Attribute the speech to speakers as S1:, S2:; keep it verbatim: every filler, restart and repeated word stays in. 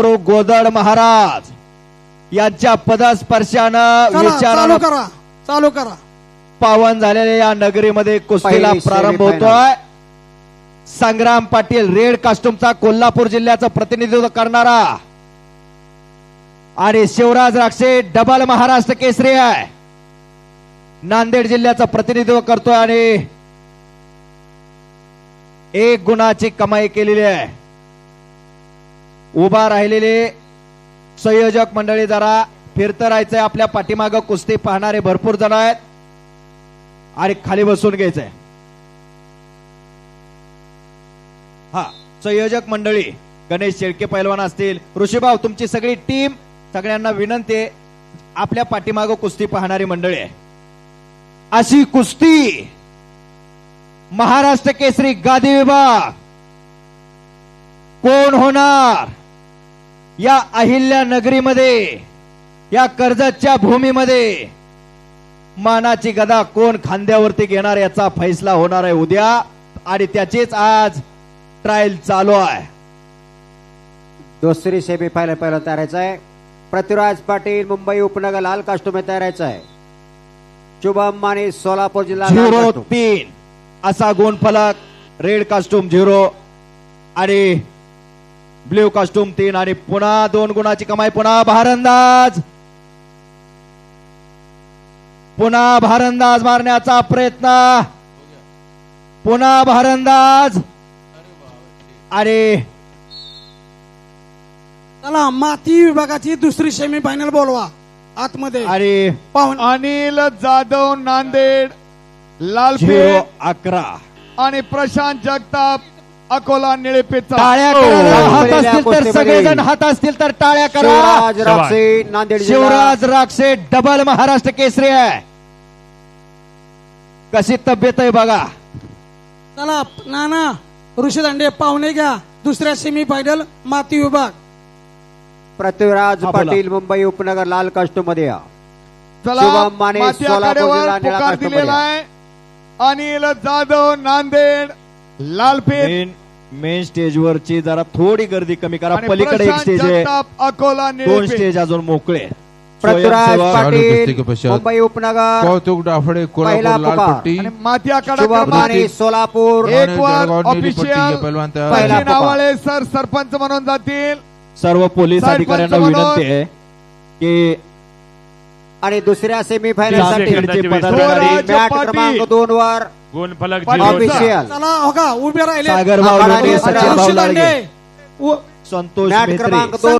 S1: गुरु गोदड महाराज यांच्या पदस्पर्शानं
S2: चालू
S1: विचारानं
S2: करा चालू करा
S1: पावन झालेल्या या नगरीमध्ये कुस्तीला
S3: पहिली
S1: प्रारंभ
S3: semi-final.
S1: होतोय. संग्राम पाटील रेड कास्टूमचा कोल्हापूर जिल्ह्याचं प्रतिनिधित्व करणारा आणि शिवराज राक्षे डबल महाराष्ट्र केसरी आहे, नांदेड जिल्ह्याचं प्रतिनिधित्व करतोय आणि एक गुणाची कमाई केलेली आहे. उभा राहिलेले संयोजक मंडळी जरा फिरत राहायचंय. आपल्या पाठीमागं कुस्ती पाहणारे भरपूर जण आहेत आणि खाली बसून घ्यायचंय. हा संयोजक मंडळी गणेश शेळके पैलवान असतील, ऋषीभाऊ तुमची सगळी टीम, सगळ्यांना विनंती आहे आपल्या पाठीमागं कुस्ती पाहणारी मंडळी आहे. अशी कुस्ती महाराष्ट्र केसरी गादी विभाग कोण होणार या अहिल्या नगरीमध्ये, या कर्जतच्या भूमीमध्ये मानाची गदा कोण खांद्यावरती घेणार याचा फैसला होणार आहे उद्या, आणि त्याचीच आज ट्रायल चालू आहे.
S3: दुसरी सेमीफायनल पहिला तयारायचं आहे. पृथ्वीराज पाटील मुंबई उपनगर लाल कास्टूम में तयारायचं आहे. शुभम माने सोलापूर जिल्हा लाल
S1: झिरो
S3: कास्टूम.
S1: तीन असा गुणफलक, रेड कास्टूम झिरो आणि ब्ल्यू कास्टूम तीन, आणि पुन्हा दोन गुणाची कमाई. पुन्हा भारंदाज, पुन्हा भारंदाज मारण्याचा प्रयत्न, पुन्हा भारंदाज आणि
S2: चला माती विभागाची दुसरी सेमी फायनल बोलवा आतमध्ये.
S1: आणि
S2: पाहून
S4: अनिल जाधव नांदेड
S1: झिरो
S4: लालपेठ
S1: अकरा.
S4: आणि प्रशांत जगताप अकोला निळेपेठचा.
S1: टाळ्या
S3: हो,
S1: करा. हात
S3: पहिल्या
S1: असतील तर
S3: कुस्तीमध्ये.
S1: सगळेजण हात असतील तर टाळ्या करा.
S3: शिवराज राक्षे नांदेड जिल्हा.
S1: शिवराज राक्षे डबल महाराष्ट्र केसरी आहे. कशी तब्येत आहे बघा.
S2: चला नाना ऋषी दांडे पाहुणे घ्या दुसऱ्या सेमी फायनल माती विभाग.
S3: पृथ्वीराज
S1: हा, बोला.
S3: पाटील मुंबई उपनगर लाल कास्टूम मध्ये या.
S4: चला
S3: शुभम माने
S4: माती
S3: सोलापूर
S4: आखाड्यावर
S3: जिल्हा निळा
S4: पुकार
S3: कास्टूम
S4: दिलेला
S3: मध्ये.
S4: आहे. अनिल जाधव नांदेड लालपेठ
S1: मेन मेन स्टेजवरची जरा थोडी गर्दी कमी करा.
S4: आणि
S1: पलीकडे एक
S4: प्रशांत
S1: स्टेज आहे,
S4: जगताप अकोला
S1: दोन
S4: निळेपेठ.
S1: स्टेज अजून मोकळे.
S3: पृथ्वीराज
S1: स्वयंसेवक,
S3: पाटील
S5: कुस्ती के पश्चात
S3: मुंबई उपनगर
S5: कौतुक डाफड़े
S3: पहिला
S5: कोल्हापुर लाल
S3: पुकार.
S5: पट्टी
S4: आणि माती आखाडा
S3: शुभम
S4: क्रमांक
S3: माने सोलापूर.
S4: एक
S5: आणि
S4: वर
S5: जळगाव नीली पट्टी
S4: ऑफिशियल
S5: हे पैलवान तयार
S3: पहिला
S5: आहे.
S4: सचिन
S3: पुकार.
S4: आवाळे सर सरपंच म्हणून जातील.
S1: सर्व पोलीस
S4: साहेब
S1: अधिकाऱ्यांना
S4: पंच म्हणून.
S1: विनंती आहे की
S3: आणि दुसऱ्या सेमीफायनल
S1: लाल
S3: साठी
S1: पट्टीचे
S4: स्वराज
S1: पदाधिकारी
S3: मॅट
S4: पाटील.
S3: क्रमांक दोन वर
S4: गुणफलक
S2: पाटील.
S3: ऑफिशियल
S2: चला हो का उभे राहिले
S1: सागरभाऊ
S3: आखाडा
S1: लोणे,
S3: ऋषी
S1: सचिनभाऊ
S2: ऋषी
S1: लाडगे,
S2: दांडे उ-
S1: संतोष
S3: मॅट
S1: मेत्रे,
S3: क्रमांक दोन